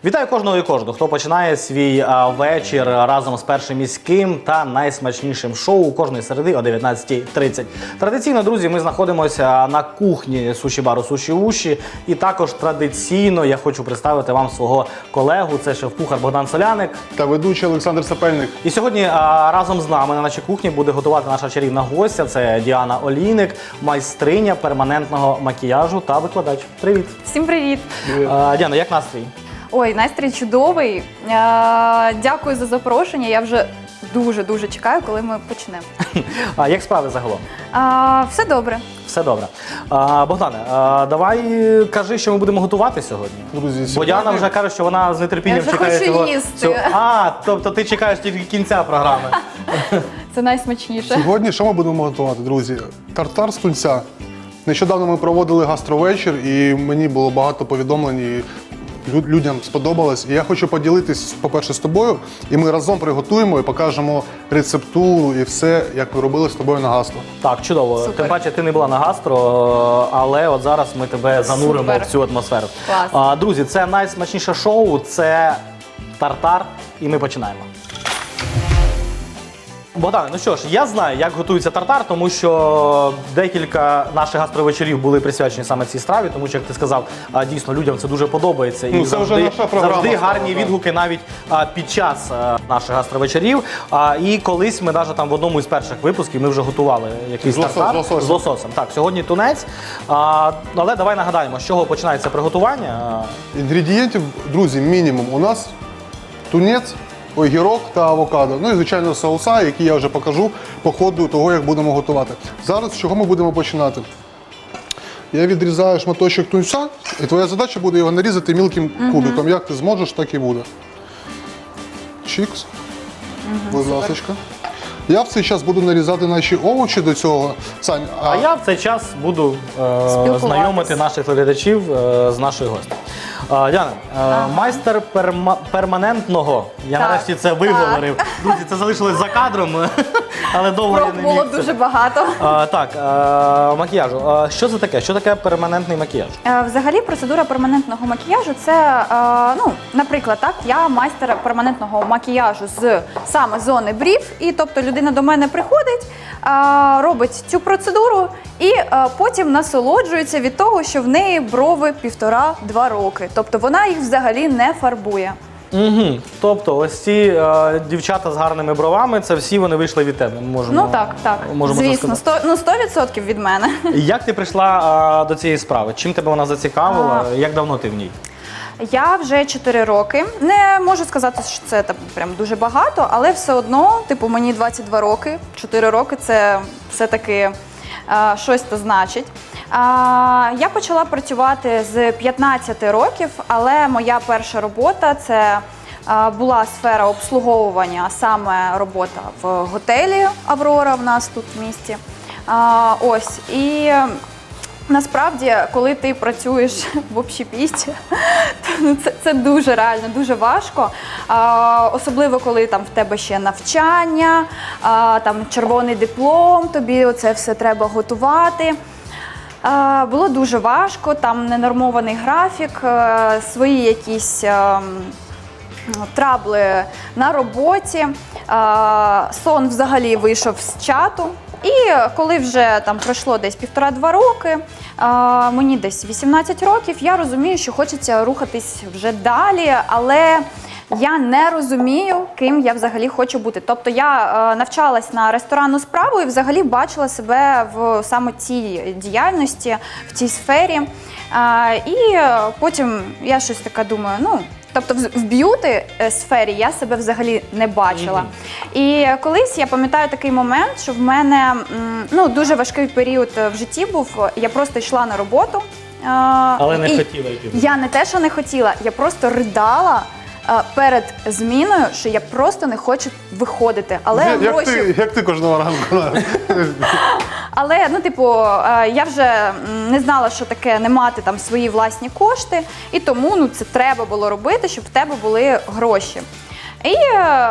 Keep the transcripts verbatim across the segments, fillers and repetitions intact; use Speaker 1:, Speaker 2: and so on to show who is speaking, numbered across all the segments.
Speaker 1: Вітаю кожного і кожного, хто починає свій а, вечір разом з Першим міським та найсмачнішим шоу кожної середи о дев'ятнадцятій тридцять. Традиційно, друзі, ми знаходимося на кухні суші-бару Суші-Уші. І також традиційно я хочу представити вам свого колегу, це шеф-кухар Богдан Соляник.
Speaker 2: Та ведучий Олександр Сапельник.
Speaker 1: І сьогодні а, разом з нами на нашій кухні буде готувати наша чарівна гостя. Це Діана Олійник, майстриня перманентного макіяжу та викладач. Привіт!
Speaker 3: Всім привіт!
Speaker 1: А, Діана, як настрій?
Speaker 3: Ой, настрій чудовий. Е, Дякую за запрошення. Я вже дуже-дуже чекаю, коли ми почнемо.
Speaker 1: А як справи загалом?
Speaker 3: Е, Все добре.
Speaker 1: Все добре. А, Богдане, а, давай кажи, що ми будемо готувати сьогодні.
Speaker 2: Друзі,
Speaker 1: Бо Діана вже каже, що вона з нетерпінням
Speaker 3: Я вже
Speaker 1: чекає
Speaker 3: хочу
Speaker 1: цього.
Speaker 3: їсти.
Speaker 1: цього- А, тобто ти чекаєш тільки кінця програми.
Speaker 3: Це найсмачніше.
Speaker 2: Сьогодні що ми будемо готувати, друзі? Тартар з тунця. Нещодавно ми проводили гастровечір, і мені було багато повідомлень, і лю- людям сподобалось. І я хочу поділитись, по-перше, з тобою, і ми разом приготуємо і покажемо рецептуру і все, як ми робили з тобою на гастро.
Speaker 1: Так, чудово.
Speaker 3: Супер.
Speaker 1: Тим паче, ти не була на гастро, але от зараз ми тебе зануримо
Speaker 3: Супер.
Speaker 1: в цю атмосферу.
Speaker 3: Клас.
Speaker 1: А, друзі, це найсмачніше шоу, це тартар, і ми починаємо. Богдане, ну що ж, я знаю, як готується тартар, тому що декілька наших гастровечерів були присвячені саме цій страві, тому що, як ти сказав, а, дійсно людям це дуже подобається.
Speaker 2: Ну,
Speaker 1: і
Speaker 2: це
Speaker 1: завжди,
Speaker 2: вже наша програма
Speaker 1: завжди
Speaker 2: стала,
Speaker 1: гарні
Speaker 2: так.
Speaker 1: відгуки навіть а, під час а, наших гастровечерів. А, і колись ми навіть там в одному із перших випусків ми вже готували якийсь
Speaker 2: З лосо-
Speaker 1: тартар
Speaker 2: з лососем.
Speaker 1: з лососем. Так, сьогодні тунець. А, але давай нагадаємо, з чого починається приготування.
Speaker 2: Інгредієнтів, друзі, мінімум. У нас тунець, огірок та авокадо. Ну і, звичайно, соуса, які я вже покажу по ходу того, як будемо готувати. Зараз з чого ми будемо починати? Я відрізаю шматочок тунця, і твоя задача буде його нарізати мілким кубиком. Як ти зможеш, так і буде. Чікс. Будь ласочка. Я в цей час буду нарізати наші овочі до цього. Сань,
Speaker 1: А я в цей час буду е,
Speaker 3: Спілкуватись.
Speaker 1: знайомити наших глядачів е, з нашою гостю. Е, Діана, е, майстер перма- перманентного. Я
Speaker 3: Так,
Speaker 1: нарешті це виговорив. Друзі, це залишилось за кадром, але довго я
Speaker 3: Проб
Speaker 1: не
Speaker 3: було
Speaker 1: міг. це.
Speaker 3: дуже багато.
Speaker 1: Е, так, е, макіяжу. Е, що це таке? Що таке перманентний макіяж?
Speaker 3: Е, Взагалі, процедура перманентного макіяжу – це, е, ну, наприклад, так, я майстер перманентного макіяжу з саме зони брів, і тобто людина до мене приходить, е, робить цю процедуру і е, потім насолоджується від того, що в неї брови півтора-два роки. Тобто вона їх взагалі не фарбує.
Speaker 1: Угу. Тобто, ось ці е, дівчата з гарними бровами, це всі вони вийшли від тебе. Можемо,
Speaker 3: Ну так, так,
Speaker 1: можемо це
Speaker 3: звісно,
Speaker 1: сказати.
Speaker 3: сто, ну сто відсотків від мене.
Speaker 1: Як ти прийшла е, до цієї справи? Чим тебе вона зацікавила? Як давно ти в ній?
Speaker 3: Я вже чотири роки. Не можу сказати, що це там прям дуже багато, але все одно, типу, мені двадцять два роки. чотири роки це все-таки е, щось то значить. Е, я почала працювати з п'ятнадцяти років, але моя перша робота це е, була сфера обслуговування, а саме робота в готелі «Аврора» в нас тут в місті. Е, ось, і насправді, коли ти працюєш в общепіті, то це, це дуже реально, дуже важко. А, особливо, коли там в тебе ще навчання, а, там червоний диплом, тобі це все треба готувати. А, було дуже важко, там ненормований графік, а, свої якісь а, трабли на роботі. А, сон взагалі вийшов з чату. І коли вже там пройшло десь півтора-два роки, а, мені десь вісімнадцять років, я розумію, що хочеться рухатись вже далі, але я не розумію, ким я взагалі хочу бути. Тобто я е, навчалась на ресторанну справу і взагалі бачила себе в саме цій діяльності, в цій сфері. А, і потім я щось таке думаю, ну, тобто в б'юти сфері я себе взагалі не бачила. Mm-hmm. І колись я пам'ятаю такий момент, що в мене ну, дуже важкий період в житті був. Я просто йшла на роботу.
Speaker 1: Але не
Speaker 3: і
Speaker 1: хотіла йти.
Speaker 3: Я не те, що не хотіла, я просто ридала перед зміною, що я просто не хочу виходити. Але
Speaker 2: Як, як,
Speaker 3: гроші...
Speaker 2: ти, як ти кожного ранку?
Speaker 3: Але, ну, типу, я вже не знала, що таке не мати там свої власні кошти, і тому ну, це треба було робити, щоб в тебе були гроші. І е,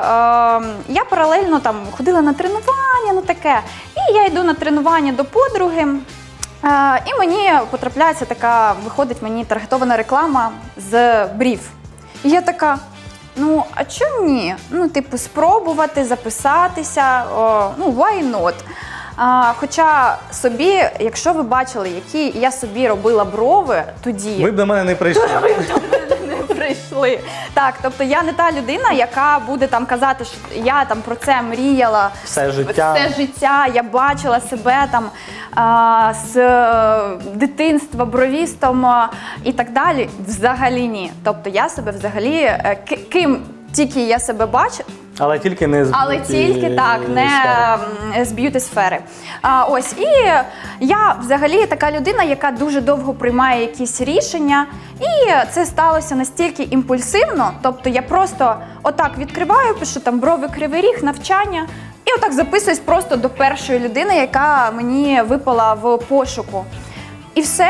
Speaker 3: я паралельно там ходила на тренування, ну таке. І я йду на тренування до подруги, е, і мені потрапляється така, виходить мені таргетована реклама з брів. І я така, ну, а чому ні? Ну, типу, спробувати, записатися, о, ну, why not? А, хоча собі, якщо ви бачили, які я собі робила брови тоді,
Speaker 1: Ви б до мене не прийшли.
Speaker 3: не прийшли. Так, тобто я не та людина, яка буде там казати, що я там про це мріяла
Speaker 1: Все життя.
Speaker 3: все життя, я бачила себе там а, з е, дитинства бровістом а, і так далі. Взагалі ні. Тобто я себе взагалі, е, ки- ким тільки я себе бачу,
Speaker 1: Але тільки не з
Speaker 3: але
Speaker 1: б'юті
Speaker 3: тільки так, не
Speaker 1: сфери.
Speaker 3: м, з б'юті-сфери. А, ось, і я взагалі така людина, яка дуже довго приймає якісь рішення, і це сталося настільки імпульсивно, тобто я просто отак відкриваю, пишу там брови, кривий ріг, навчання, і отак записуюсь просто до першої людини, яка мені випала в пошуку. І все,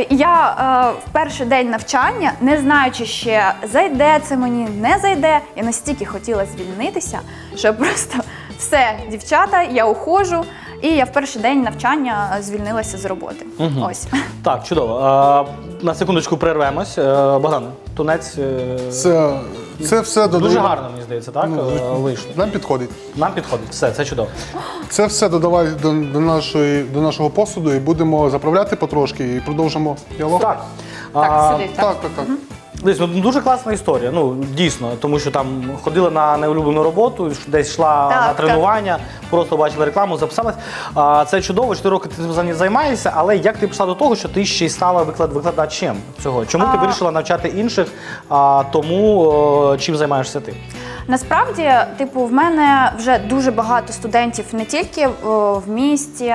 Speaker 3: я е, в перший день навчання, не знаючи ще, зайде це мені, не зайде, я настільки хотіла звільнитися, що просто все, дівчата, я уходжу, і я в перший день навчання звільнилася з роботи.
Speaker 1: Мгм.
Speaker 3: Ось.
Speaker 1: Так, чудово. А, на секундочку перервемось. Е, Богдан, тунець е,
Speaker 2: Це, це все додає.
Speaker 1: дуже гарно, мені здається, так?
Speaker 2: Ну,
Speaker 1: е, вийшло.
Speaker 2: Нам підходить.
Speaker 1: Нам підходить. Все, це чудово.
Speaker 2: Це все додавай до, до, нашої, до нашого посуду і будемо заправляти потрошки і продовжимо діалог.
Speaker 1: Так.
Speaker 3: Так,
Speaker 1: А,
Speaker 3: сиди. Так.
Speaker 2: так, так. так.
Speaker 1: Десь, ну, дуже класна історія, ну дійсно, тому що там ходила на неулюблену роботу, десь йшла
Speaker 3: Так,
Speaker 1: на
Speaker 3: так.
Speaker 1: тренування, просто бачила рекламу, записалась. А, це чудово, чотири роки ти цим займаєшся, але як ти прийшла до того, що ти ще й стала виклад, викладачем цього? Чому ти
Speaker 3: А.
Speaker 1: вирішила навчати інших, а, тому о, чим займаєшся ти?
Speaker 3: Насправді, типу, в мене вже дуже багато студентів не тільки о, в місті,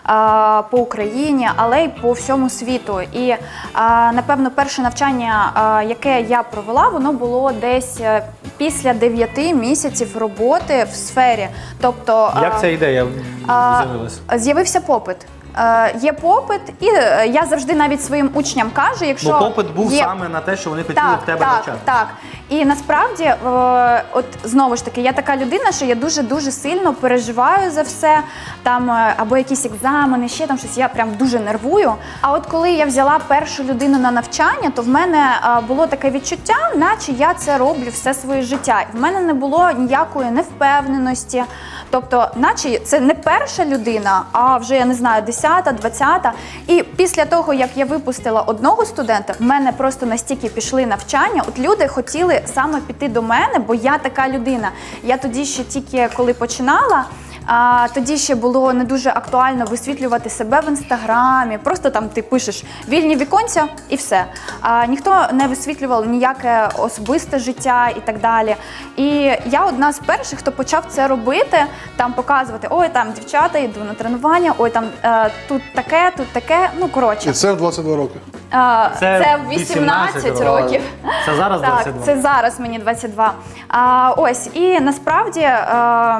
Speaker 3: а, по Україні, але й по всьому світу. І, а, напевно, перше навчання, а, яке я провела, воно було десь е, після дев'яти місяців роботи в сфері. Тобто, а,
Speaker 1: Як ця ідея
Speaker 3: а,
Speaker 1: з'явилася?
Speaker 3: з'явився попит. Е, Є попит, і е, я завжди навіть своїм учням кажу, якщо
Speaker 1: Бо попит був
Speaker 3: є...
Speaker 1: саме на те, що вони хотіли
Speaker 3: так,
Speaker 1: в тебе
Speaker 3: так,
Speaker 1: навчати.
Speaker 3: Так, і насправді, е, от знову ж таки, я така людина, що я дуже-дуже сильно переживаю за все, там е, або якісь екзамени, ще там щось, я прям дуже нервую. А от коли я взяла першу людину на навчання, то в мене е, було таке відчуття, наче я це роблю все своє життя. І в мене не було ніякої невпевненості, тобто, наче це не перша людина, а вже, я не знаю, десята, двадцята. І після того, як я випустила одного студента, в мене просто настільки пішли навчання, от люди хотіли саме піти до мене, бо я така людина. Я тоді ще тільки коли починала, а тоді ще було не дуже актуально висвітлювати себе в інстаграмі. Просто там ти пишеш вільні віконця і все. А ніхто не висвітлював ніяке особисте життя і так далі. І я одна з перших, хто почав це робити, там показувати: ой, там дівчата, йду на тренування, ой, там е, тут таке, тут таке. Ну коротше,
Speaker 2: І це в двадцять два роки.
Speaker 3: е,
Speaker 1: Це
Speaker 3: це в вісімнадцять років.
Speaker 1: Це зараз
Speaker 3: Так,
Speaker 1: двадцять два.
Speaker 3: це зараз мені двадцять два. А, ось, і насправді, е,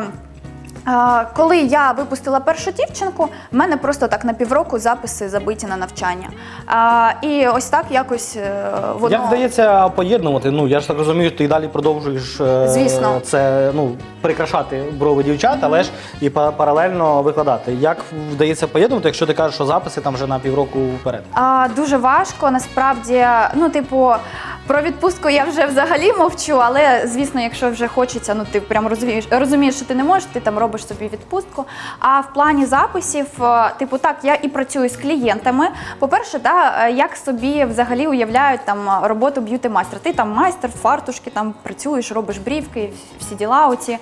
Speaker 3: е, коли я випустила першу дівчинку, в мене просто так на півроку записи забиті на навчання. А, і ось так якось е, воно...
Speaker 1: Як вдається поєднувати? Ну я ж так розумію, ти і далі продовжуєш е,
Speaker 3: Звісно.
Speaker 1: це, ну, прикрашати брови дівчат, але ж і па- паралельно викладати. Як вдається поєднувати, якщо ти кажеш, що записи там вже на півроку вперед?
Speaker 3: А, дуже важко, насправді, ну, типу, про відпустку я вже взагалі мовчу, але, звісно, якщо вже хочеться, ну, ти прям розумієш, розумієш, що ти не можеш, ти там робиш собі відпустку. А в плані записів, е, типу, так, я і працюю з клієнтами. По-перше, да, е, як собі взагалі уявляють там роботу б'юті-майстра. Ти там майстер, фартушки, там працюєш, робиш брівки, всі діла оці.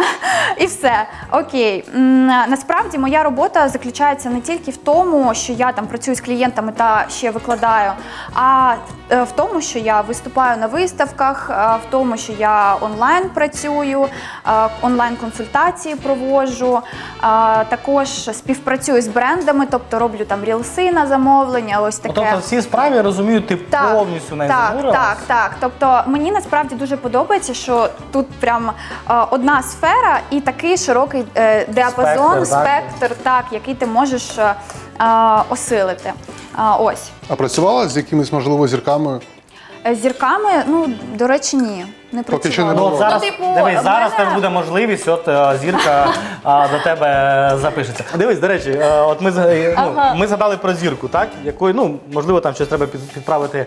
Speaker 3: І все. Окей. М, Насправді, моя робота заключається не тільки в тому, що я там працюю з клієнтами та ще викладаю, а е, в тому, що я виступаю на виставках, е, в тому, що я онлайн працюю, е, онлайн-консультації проводжу, е, також співпрацюю з брендами, тобто роблю там рілси на замовлення, ось таке.
Speaker 1: Тобто всі справи, я розумію, ти повністю не
Speaker 3: так,
Speaker 1: занурилась?
Speaker 3: так, так. Тобто мені насправді дуже подобається, що тут прям е, одна сфера і такий широкий е, діапазон,
Speaker 1: Спектр, так?
Speaker 3: спектр, так, який ти можеш е, е, осилити. Е, ось.
Speaker 2: А працювала з якимись, можливо, зірками?
Speaker 3: З зірками, ну, до речі, ні. не
Speaker 2: Поки
Speaker 3: працювало.
Speaker 2: що не
Speaker 1: Ну,
Speaker 2: було.
Speaker 1: от зараз,
Speaker 3: Ну, типу,
Speaker 1: дивись,
Speaker 3: в
Speaker 1: зараз
Speaker 3: мене-
Speaker 1: тебе буде можливість, от е, зірка а, до тебе запишеться. Дивись, до речі, е, от ми, зга- ну,
Speaker 3: Ага.
Speaker 1: ми згадали про зірку, так? Якою, ну, можливо, там щось треба під- підправити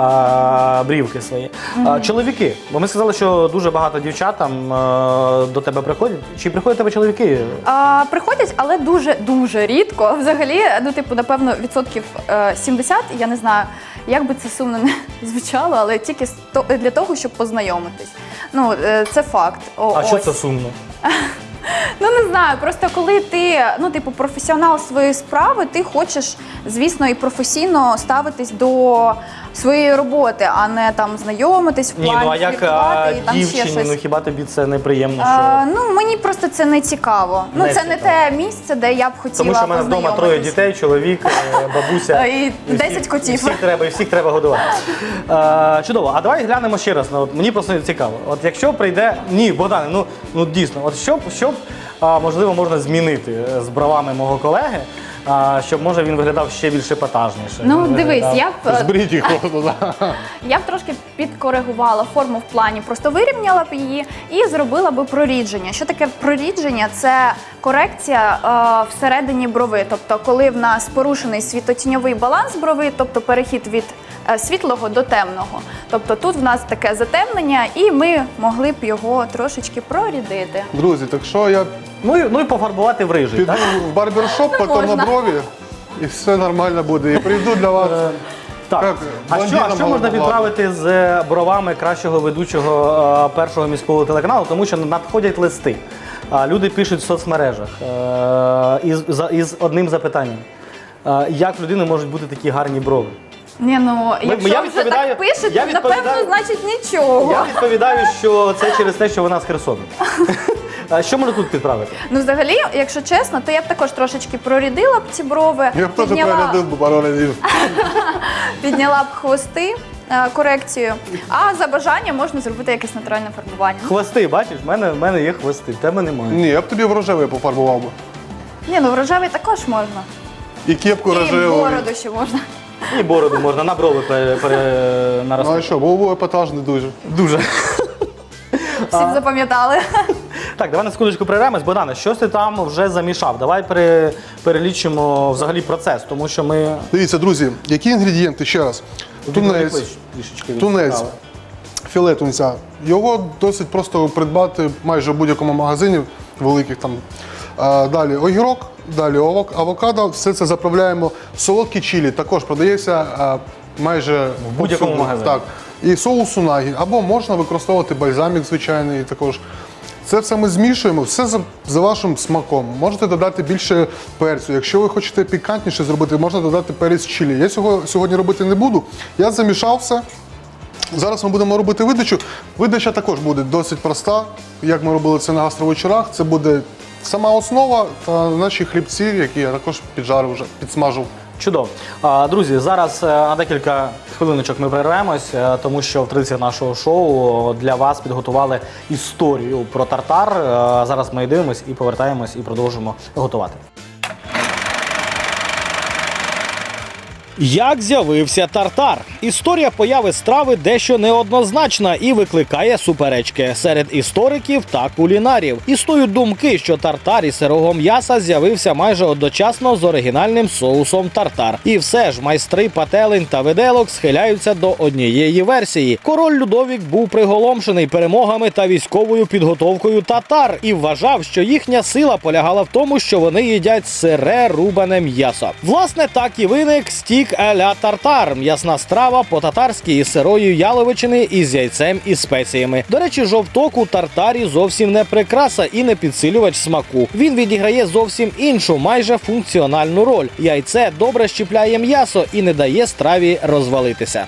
Speaker 1: а, брівки свої. А, чоловіки, бо ми сказали, що дуже багато дівчат там е, до тебе приходять. Чи приходять до тебе чоловіки?
Speaker 3: А, приходять, але дуже дуже рідко. Взагалі, ну типу, напевно, відсотків е, сімдесят, я не знаю, як би це сумно не звучало, але тільки з то- для того, щоб познайомитись. Ну, е, це факт. О,
Speaker 1: А що
Speaker 3: ось.
Speaker 1: це сумно?
Speaker 3: Ну не знаю, просто коли ти ну, типу, професіонал своєї справи, ти хочеш, звісно, і професійно ставитись до своєї роботи, а не там знайомитись в
Speaker 1: Ні,
Speaker 3: плані
Speaker 1: ну а як
Speaker 3: фліртувати
Speaker 1: а,
Speaker 3: і там ще
Speaker 1: дівчині,
Speaker 3: щось.
Speaker 1: ну хіба тобі це неприємно? Що...
Speaker 3: А, ну мені просто це не цікаво. Ну
Speaker 1: Не
Speaker 3: це не
Speaker 1: цікаво.
Speaker 3: те місце, де я б хотіла
Speaker 1: Тому що в мене вдома троє
Speaker 3: познайомитись.
Speaker 1: дітей, чоловік, е, бабуся.
Speaker 3: І десять
Speaker 1: всіх-
Speaker 3: котів.
Speaker 1: І всіх треба, і всіх треба годувати. Е, чудово. А давай глянемо ще раз. Ну, от мені просто цікаво. От якщо прийде. Ні, Богдане, ну, ну дійсно, от що, б- що б, а, можливо, можна змінити е, з бровами мого колеги, а, щоб може він виглядав ще більш епатажніше.
Speaker 3: Ну
Speaker 1: Він
Speaker 3: дивись,
Speaker 1: виглядав-
Speaker 3: я б е,
Speaker 2: Зберіть їх просто, да.
Speaker 3: я б трошки підкоригувала форму в плані, просто вирівняла б її і зробила би прорідження. Що таке прорідження? Це корекція е, всередині брови. Тобто, коли в нас порушений світлотіньовий баланс брови, тобто перехід від е, світлого до темного. Тобто тут в нас таке затемнення, і ми могли б його трошечки прорідити.
Speaker 2: Друзі, так що я
Speaker 1: Ну, і, ну і пофарбувати в рижий,
Speaker 2: піду
Speaker 1: так?
Speaker 2: в барбершоп, потім на
Speaker 3: можна.
Speaker 2: брові, і все нормально буде. І прийду для вас.
Speaker 1: Так.
Speaker 2: Як
Speaker 1: А що, а
Speaker 2: блондином
Speaker 1: що можна
Speaker 2: голубоглазим.
Speaker 1: підправити з бровами кращого ведучого е, першого міського телеканалу? Тому що надходять листи. А люди пишуть в соцмережах е, із, за- із одним запитанням. Е, як в людини можуть бути такі гарні брови?
Speaker 3: Ні, ну якщо
Speaker 1: я
Speaker 3: вже
Speaker 1: відповідаю-
Speaker 3: так пишете,
Speaker 1: я
Speaker 3: напевно,
Speaker 1: відповідаю-
Speaker 3: значить нічого.
Speaker 1: Я відповідаю, що це через те, що вона з Херсону. А що можна тут підправити?
Speaker 3: Ну, взагалі, якщо чесно, то я б також трошечки прорідила б ці брови,
Speaker 2: Я б теж
Speaker 3: підняла,
Speaker 2: переглядив би пару разів.
Speaker 3: підняла б хвости, е, корекцію, а за бажанням можна зробити якесь натуральне фарбування.
Speaker 1: Хвости, бачиш, в мене, в мене є хвости, в тебе немає.
Speaker 2: Ні, я б тобі в рожевий пофарбував би.
Speaker 3: Ні, ну в рожевий також можна.
Speaker 2: І кепку
Speaker 3: І
Speaker 2: рожеву.
Speaker 3: бороду ще можна.
Speaker 1: І бороду можна на брови пере, пере,
Speaker 2: Ну а
Speaker 1: наростити.
Speaker 2: що, був би епатажний дуже.
Speaker 1: Дуже.
Speaker 3: Всі б запам'ятали.
Speaker 1: Так, давай на секундочку перервемось. Богдане, що ти там вже замішав? Давай пере, перелічимо взагалі процес, тому що ми...
Speaker 2: Дивіться, друзі, які інгредієнти ще раз. Тунець,
Speaker 1: Трішечки
Speaker 2: тунець,
Speaker 1: відправи.
Speaker 2: філе тунця. Його досить просто придбати майже в будь-якому магазині великих там. А, далі огірок, далі авок- авокадо. Все це заправляємо. Солодкі чилі також продається а, майже в
Speaker 1: будь-якому магазині.
Speaker 2: Так. І соус унагі. Або можна використовувати бальзамік звичайний також. Це все ми змішуємо, все за, за вашим смаком. Можете додати більше перцю. Якщо ви хочете пікантніше зробити, можна додати перець чилі. Я цього сьогодні робити не буду. Я замішав все. Зараз ми будемо робити видачу. Видача також буде досить проста, як ми робили це на гастровечорах. Це буде сама основа та наші хлібці, які я також піджарив вже, підсмажив.
Speaker 1: Чудово. А, Друзі, зараз е, на декілька хвилиночок ми перервемось, е, тому що в традиції нашого шоу для вас підготували історію про тартар. Е, Зараз ми дивимось і повертаємось і продовжимо готувати. Як з'явився тартар? Історія появи страви дещо неоднозначна і викликає суперечки серед істориків та кулінарів. Існують думки, що тартар із сирого м'яса з'явився майже одночасно з оригінальним соусом тартар. І все ж майстри пательень та виделок схиляються до однієї версії. Король Людовік був приголомшений перемогами та військовою підготовкою татар і вважав, що їхня сила полягала в тому, що вони їдять сире рубане м'ясо. Власне, так і виник стік а-ля тартар – м'ясна страва по-татарськи із сирої яловичини із яйцем і спеціями. До речі, жовток у тартарі зовсім не прикраса і не підсилювач смаку. Він відіграє зовсім іншу, майже функціональну роль. Яйце добре щіпляє м'ясо і не дає страві розвалитися.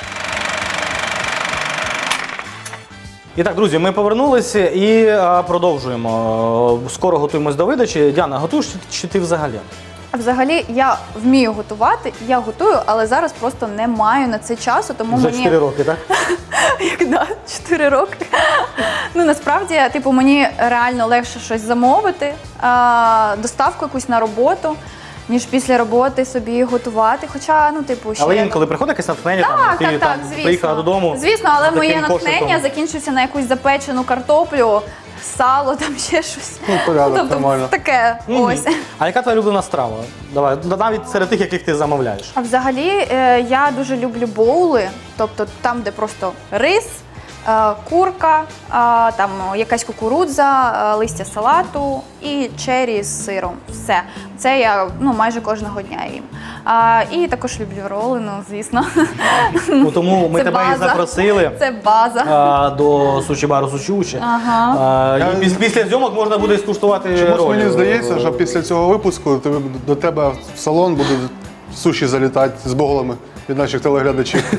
Speaker 1: І так, друзі, ми повернулися і а, продовжуємо. Скоро готуємось до видачі. Діана, готуєш чи ти взагалі?
Speaker 3: Взагалі, я вмію готувати, я готую, але зараз просто не маю на це часу, тому
Speaker 1: Вже
Speaker 3: мені...
Speaker 1: чотири роки, так?
Speaker 3: Як да, чотири роки. Ну насправді, типу, мені реально легше щось замовити, а, доставку якусь на роботу. ніж після роботи собі готувати. Хоча, ну, типу, ще...
Speaker 1: Але інколи приходить якесь натхнення, там,
Speaker 3: Так,
Speaker 1: ти
Speaker 3: так,
Speaker 1: там,
Speaker 3: так, звісно.
Speaker 1: приїхала додому.
Speaker 3: Звісно, але
Speaker 1: з
Speaker 3: моє
Speaker 1: таким
Speaker 3: натхнення
Speaker 1: кошиком.
Speaker 3: закінчується на якусь запечену картоплю, сало, там ще щось.
Speaker 2: Ну, порядок,
Speaker 3: тобто,
Speaker 2: нормально.
Speaker 3: таке,
Speaker 1: Мгм.
Speaker 3: ось.
Speaker 1: А яка твоя улюблена страва? Давай, навіть серед тих, яких ти замовляєш.
Speaker 3: А взагалі е, я дуже люблю боули, тобто там, де просто рис, е, курка, е, там якась кукурудза, е, листя салату і чері з сиром. Все. Це я ну, майже кожного дня їм. А, і також люблю роли, ну звісно.
Speaker 1: Ну, тому ми
Speaker 3: Це
Speaker 1: тебе і
Speaker 3: база.
Speaker 1: запросили.
Speaker 3: Це база.
Speaker 1: а, До суші-бару Суші.
Speaker 3: Ага.
Speaker 1: А,
Speaker 2: Я-
Speaker 1: і піс- після зйомок можна буде скуштувати
Speaker 2: Чомусь
Speaker 1: ролі.
Speaker 2: мені здається, що після цього випуску тебе- до тебе в салон будуть суші залітати з боголами від наших телеглядачів.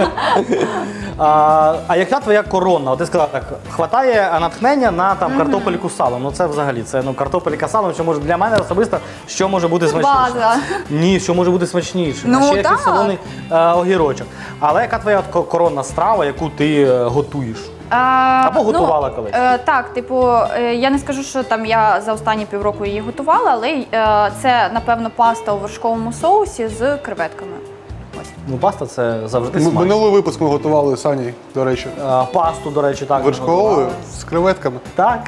Speaker 1: А, а яка твоя коронна? От ти сказала так, хватає натхнення на там картопельку з салом. Ну це взагалі, це ну картопелька з салом, що може для мене особисто, що може бути смачніше?
Speaker 3: База.
Speaker 1: Ні, що може бути смачніше.
Speaker 3: Ну,
Speaker 1: а ще якийсь
Speaker 3: так.
Speaker 1: солоний е, огірочок. Але яка твоя от ко- коронна страва, яку ти е, готуєш?
Speaker 3: А,
Speaker 1: Або готувала колись.
Speaker 3: Е, так, типу, е, я не скажу, що там я за останні півроку її готувала, але е, це, напевно, паста у вершковому соусі з креветками. Ось.
Speaker 1: Ну, паста це завжди
Speaker 2: М-
Speaker 1: смачно.
Speaker 2: Минулий випуск ми готували з Аней, до речі.
Speaker 1: Е, Пасту, до речі, так. ми
Speaker 2: Вершковою
Speaker 1: готували.
Speaker 2: з креветками.
Speaker 1: Так.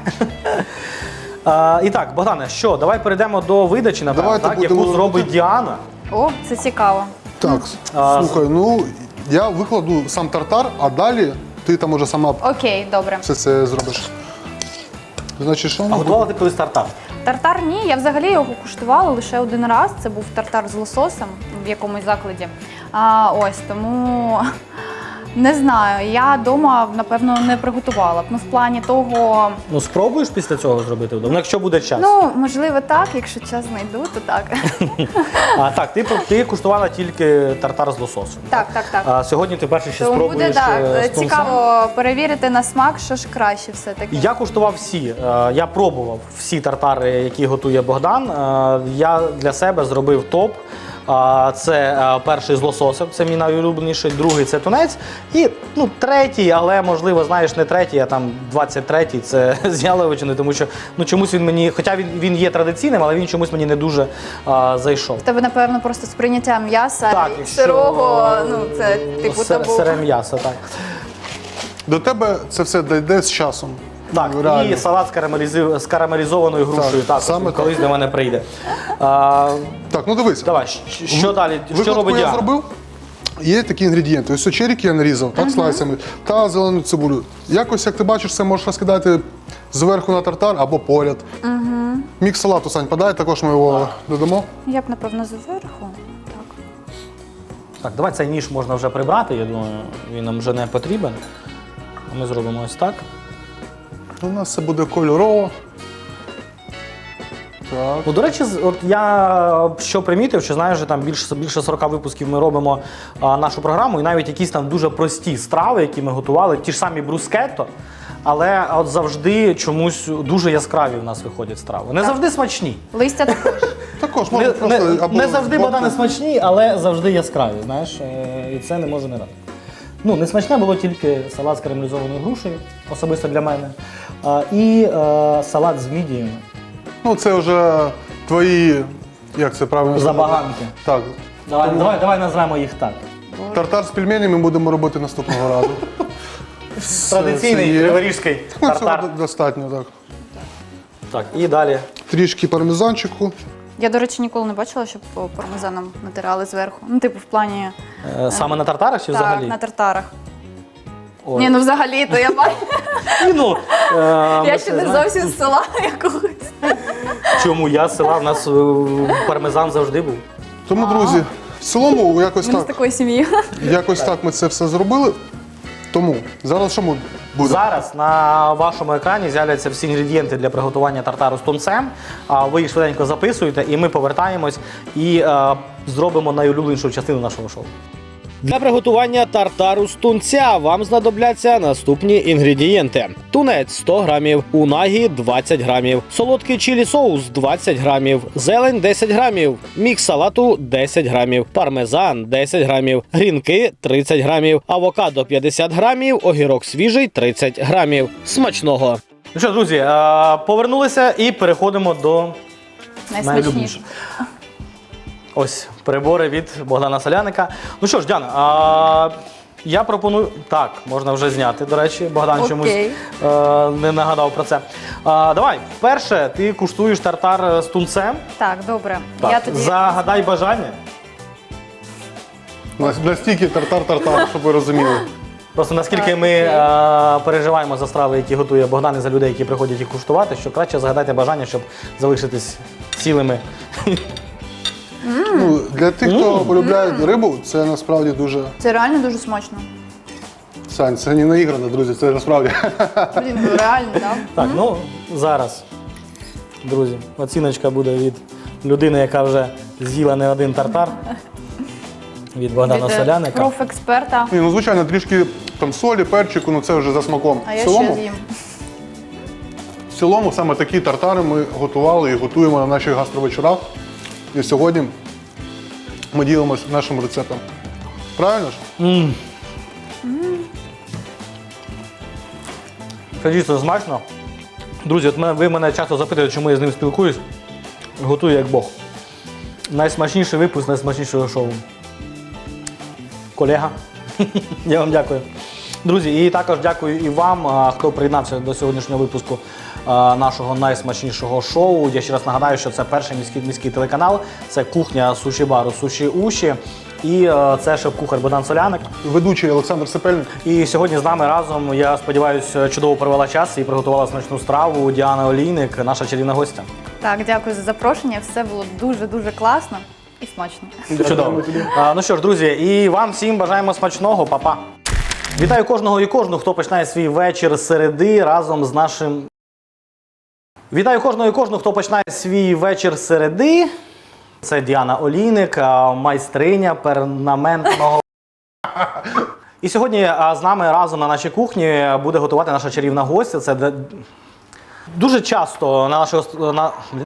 Speaker 1: А, і так, Богдане, що, давай перейдемо до видачі, напевно,
Speaker 2: Давайте
Speaker 1: так,
Speaker 2: будемо
Speaker 1: яку зробить
Speaker 2: робити.
Speaker 1: Діана.
Speaker 3: О, це цікаво.
Speaker 2: Так,
Speaker 1: А,
Speaker 2: слухай, ну я викладу сам тартар, а далі ти там уже сама
Speaker 3: Окей, добре.
Speaker 2: все це зробиш. Значить, що?
Speaker 1: А готувала ти колись тартар?
Speaker 3: Тартар ні, я взагалі його куштувала лише один раз. Це був тартар з лососем в якомусь закладі. А, ось тому не знаю. Я вдома, напевно, не приготувала б. Ну, в плані того,
Speaker 1: Ну, спробуєш після цього зробити вдома? Ну, якщо буде час.
Speaker 3: ну можливо, так. Якщо час знайду, то так.
Speaker 1: А, так, ти, ти куштувала тільки тартар з лососем.
Speaker 3: Так, так, так.
Speaker 1: А сьогодні ти перший ще
Speaker 3: Тому буде
Speaker 1: спробуєш
Speaker 3: так,
Speaker 1: е, з тунцем.
Speaker 3: цікаво перевірити на смак, що ж краще все-таки.
Speaker 1: Я куштував всі. Е, Я пробував всі тартари, які готує Богдан. Е, Я для себе зробив топ. А, Це е, перший з лососем, це мій найулюбленіший, другий це тунець. І ну, третій, але можливо, знаєш, не третій, а там двадцять третій це з яловичини, тому що ну, чомусь він мені, хоча він, він є традиційним, але він чомусь мені не дуже а, зайшов.
Speaker 3: В тебе, напевно, просто сприйняття м'яса
Speaker 1: Так,
Speaker 3: і
Speaker 1: якщо,
Speaker 3: сирого, ну це типу
Speaker 1: Сир-
Speaker 3: табу.
Speaker 1: Сире м'ясо, так.
Speaker 2: До тебе це все дійде з часом.
Speaker 1: Так,
Speaker 2: Ну, реально.
Speaker 1: і салат з, карамелізи... з карамелізованою грушею
Speaker 2: Так,
Speaker 1: також
Speaker 2: саме
Speaker 1: він колись до мене прийде. А,
Speaker 2: Так, ну дивись.
Speaker 1: давай, щ- що далі? Що
Speaker 2: Викладку
Speaker 1: робить
Speaker 2: я
Speaker 1: Діана?
Speaker 2: зробив. Є такі інгредієнти. Ось черіки я нарізав, так, слайсами, та зелену цибулю. Якось, як ти бачиш, це можеш розкидати зверху на тартар або поряд. Угу. Мікс салату, Сань, подай, також ми його додамо.
Speaker 3: Я б, напевно, зверху. Так.
Speaker 1: Так, давай цей ніж можна вже прибрати, я думаю, він нам вже не потрібен. А ми зробимо ось так.
Speaker 2: У нас це буде кольорово. Так.
Speaker 1: Ну, до речі, з- от я що примітив, що знаєш, що там більше, більше сорока випусків ми робимо а, нашу програму, і навіть якісь там дуже прості страви, які ми готували, ті ж самі брускетто, але от завжди чомусь дуже яскраві в нас виходять страви. Не завжди смачні.
Speaker 3: Листя також.
Speaker 2: Також
Speaker 1: Не,
Speaker 2: можна
Speaker 1: не,
Speaker 2: просто або
Speaker 1: не завжди
Speaker 2: збоку.
Speaker 1: Богдане смачні, але завжди яскраві, знаєш, е, і це не може не радити. Ну, не смачне було тільки салат з карамелізованою грушею, особисто для мене, а, і е, салат з мідіями,
Speaker 2: Ну, це вже твої, як це правильно сказати?
Speaker 1: забаганки.
Speaker 2: Так.
Speaker 1: Давай, давай, давай назвемо їх так.
Speaker 2: Тартар з пельменями ми будемо робити наступного разу.
Speaker 1: Традиційний
Speaker 2: це є.
Speaker 1: криворіжський
Speaker 2: Ну,
Speaker 1: тартар.
Speaker 2: цього достатньо, так.
Speaker 1: Так, і далі.
Speaker 2: Трішки пармезанчику.
Speaker 3: Я, до речі, ніколи не бачила, щоб по пармезаном натирали зверху. Ну, типу, в плані
Speaker 1: Е, Саме на тартарах чи
Speaker 3: так,
Speaker 1: взагалі?
Speaker 3: на тартарах.
Speaker 1: Ой.
Speaker 3: Ні, ну взагалі, то я бачу.
Speaker 1: Ні, ну, е, ми
Speaker 3: Я
Speaker 1: це
Speaker 3: ще не
Speaker 1: знаємо.
Speaker 3: зовсім з села якогось.
Speaker 1: Чому я з села, в нас е, пармезан завжди був.
Speaker 2: Тому, друзі, в цілому якось
Speaker 3: Ми не з
Speaker 2: так,
Speaker 3: такої сім'ї.
Speaker 2: якось так ми це все зробили. Тому зараз що ми буде?
Speaker 1: Зараз на вашому екрані з'являться всі інгредієнти для приготування тартару з тунцем. А ви їх швиденько записуєте, і ми повертаємось і е, зробимо найулюбленішу частину нашого шоу. Для приготування тартару з тунця вам знадобляться наступні інгредієнти: тунець сто грамів, унагі двадцять грамів, солодкий чилі соус двадцять грамів, зелень десять грамів, мікс салату десять грамів, пармезан десять грамів, грінки тридцять грамів, авокадо п'ятдесят грамів, огірок свіжий тридцять грамів. Смачного! Ну що, друзі, е, повернулися і переходимо до
Speaker 3: Найсмачніше.
Speaker 1: Ось прибори від Богдана Соляника. Ну що ж, Діана, а, я пропоную. Так, можна вже зняти, до речі, Богдан
Speaker 3: Окей.
Speaker 1: чомусь е, не нагадав про це. А, давай, перше, ти куштуєш тартар з тунцем.
Speaker 3: Так, добре.
Speaker 1: Так,
Speaker 3: Я тоді
Speaker 1: загадай бажання.
Speaker 2: Нас- Настільки тартар-тартар, щоб ви розуміли.
Speaker 1: Просто наскільки
Speaker 3: Так,
Speaker 1: ми
Speaker 3: окей.
Speaker 1: е, переживаємо за страви, які готує Богдан, і за людей, які приходять їх куштувати, що краще загадайте бажання, щоб залишитись цілими.
Speaker 2: Ну, для тих, хто полюбляє рибу, це насправді дуже.
Speaker 3: Це реально дуже смачно.
Speaker 2: Сань, це не наіграно, друзі, це насправді.
Speaker 3: Блін, ну реально, так?
Speaker 1: Так, ну зараз, друзі, оціночка буде від людини, яка вже з'їла не один тартар. Від Богдана
Speaker 3: Від е,
Speaker 1: Соляника.
Speaker 3: профексперта.
Speaker 2: Ні, ну звичайно, трішки там солі, перчику, ну це вже за смаком.
Speaker 3: А
Speaker 2: В
Speaker 3: я
Speaker 2: цілому,
Speaker 3: ще з'їм.
Speaker 2: в цілому саме такі тартари ми готували і готуємо на наших гастровечорах. І сьогодні ми ділимося нашим рецептом. Правильно ж?
Speaker 1: Це дійсно смачно. Друзі, от мене- ви мене часто запитуєте, чому я з ним спілкуюсь. Готую як Бог. Найсмачніший випуск найсмачнішого шоу. Колега. Я вам дякую. Друзі, і також дякую і вам, а, хто приєднався до сьогоднішнього випуску а, нашого найсмачнішого шоу. Я ще раз нагадаю, що це перший міський, міський телеканал, це кухня суші-бару Суші Уші. І е, це шеф-кухар Богдан Соляник.
Speaker 2: Ведучий Олександр Сепельник.
Speaker 1: І сьогодні з нами разом, я сподіваюся, чудово провела час і приготувала смачну страву Діана Олійник, наша чарівна гостя.
Speaker 3: Так, дякую за запрошення. Все було дуже-дуже класно і смачно.
Speaker 1: Чудово. А, ну що ж, друзі, і вам всім бажаємо смачного, па-па. Вітаю кожного і кожну, хто починає свій вечір з середи разом з нашим. Вітаю кожного і кожну, хто починає свій вечір з середи. Це Діана Олійник, а, майстриня перманентного. І сьогодні а, з нами разом на нашій кухні буде готувати наша чарівна гостя. Це де- дуже часто на нашого на